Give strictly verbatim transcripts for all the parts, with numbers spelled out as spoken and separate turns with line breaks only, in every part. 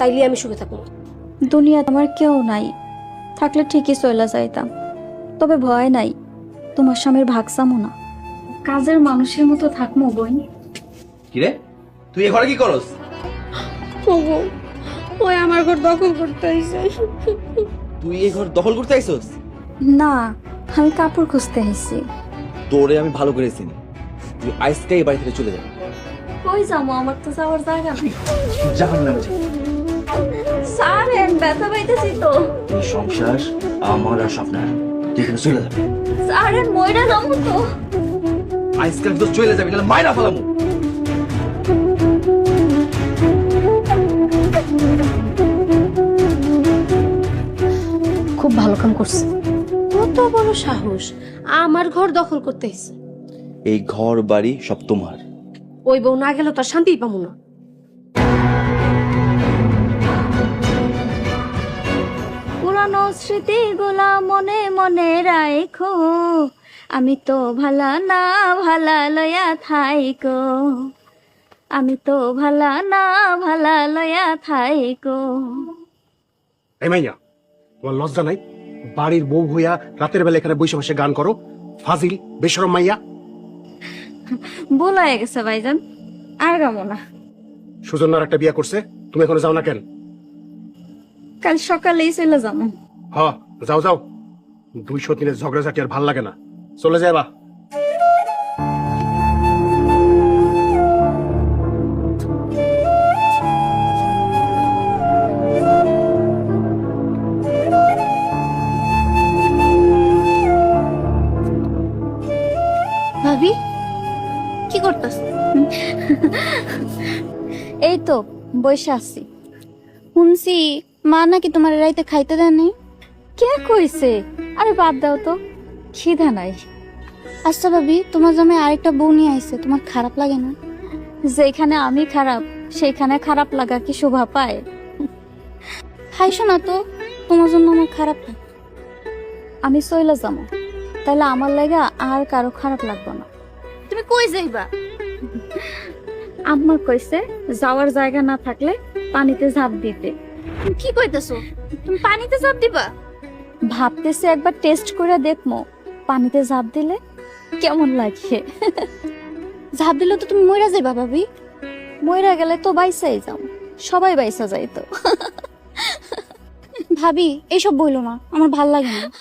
তাইলে আমি সুখে থাকবো।
দুনিয়াতে আমার কেউ নাই, থাকলে ঠিকই চলে যাইতাম। তবে ভয় নাই, তোমার স্বামীর ভাগ চামো না, কাজের মানুষের মতো থাকমো বই।
কিরে তুই এ ঘরে কি করস?
ওগো, ওই আমার ঘর দখল করতে আইছে।
তুই এই ঘর দখল করতে আইছস?
না, আমি কাপড় খুঁজতে আইছি।
তোরে আমি ভালো করে চিনি, তুই আজকে এই বাড়ি থেকে চলে যাবি।
কই যাবো? আমার তো যাওয়ার জায়গা নেই।
জাহান্নামে যা।
সারেন, ব্যথা পাইতেছি তো।
এই সংসার আমার আর স্বপ্নের, তুই এখানে চলে যাবি।
সারেন, মইরা যাবো তো।
আজকে তো চলে যাবি, নাহলে মাইরা ফেলামু।
খুব ভালো কাম করছে। কত বড় সাহস, আমার ঘর দখল করতে আইছে।
এই ঘর বাড়ি সব তোমার।
ওই বউ না গেলে তো আর শান্তি পাবো না।
পুরানো স্মৃতিগুলা মনে মনে রাখো, আমি তো ভালা না ভালা লয়া থাইকো, আমি তো ভালা না ভালা লয়া থাইকো।
এই মাইয়া, তোমার লজ্জা নাই? বাড়ির বউ হইয়া রাতের বেলা এখানে বসে বসে গান করো? ফাজিল বেশরম মাইয়া।
ভুল হয়ে গেছে ভাইজান, আর গামো না।
সুজন্যার একটা বিয়া করছে, তুমি এখনো যাও না কেন?
কাল সকালেই চলে যাবো।
হ, যাও যাও। দুইশো দিনের ঝগড়াঝাটি আর ভাল লাগে না, চলে যাবা।
ভাবি কি করতেছ?
এই তো বসে আছি। শুনছি মা নাকি তোমার রাইতে খাইতে দেয় নাই। কে কইছে? আরে বাদ দাও তো, খিদা নাই। আচ্ছা ভাবি, তোমার জামাই আরেকটা বউ নিয়ে আইছে, তোমার খারাপ লাগে না? যেখানে আমি খারাপ সেখানে খারাপ লাগা কি শোভা পায়? খাইছো না তো, তোমার জন্য আমার খারাপ লাগে। আমি চইলা যাবো, তাহলে আমার লাগা আর কারো খারাপ লাগবে না।
তুমি কই যাইবা?
আম্মা কইছে যাওয়ার জায়গা না থাকলে পানিতে ঝাঁপ দিতে।
তুমি কি কইতেছো? তুমি পানিতে ঝাঁপ দিবা?
ভাবতেছি একবার টেস্ট করে দেখমো পানিতে ঝাঁপ দিলে কেমন লাগে।
ঝাঁপ দিলে তো তুমি মইরা যাইবা ভাবি।
মইরা গেলে তো বাইসাই যাও, সবাই বাইসা যাইতো।
ভাবি এইসব বইলো না, আমার ভাল লাগে না।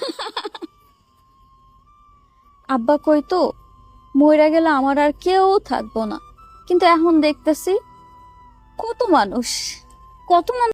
আব্বা কইতো মইরা গেলে আমার আর কেউ থাকবো না, কিন্তু এখন দেখতেছি কত মানুষ,
কত মানুষ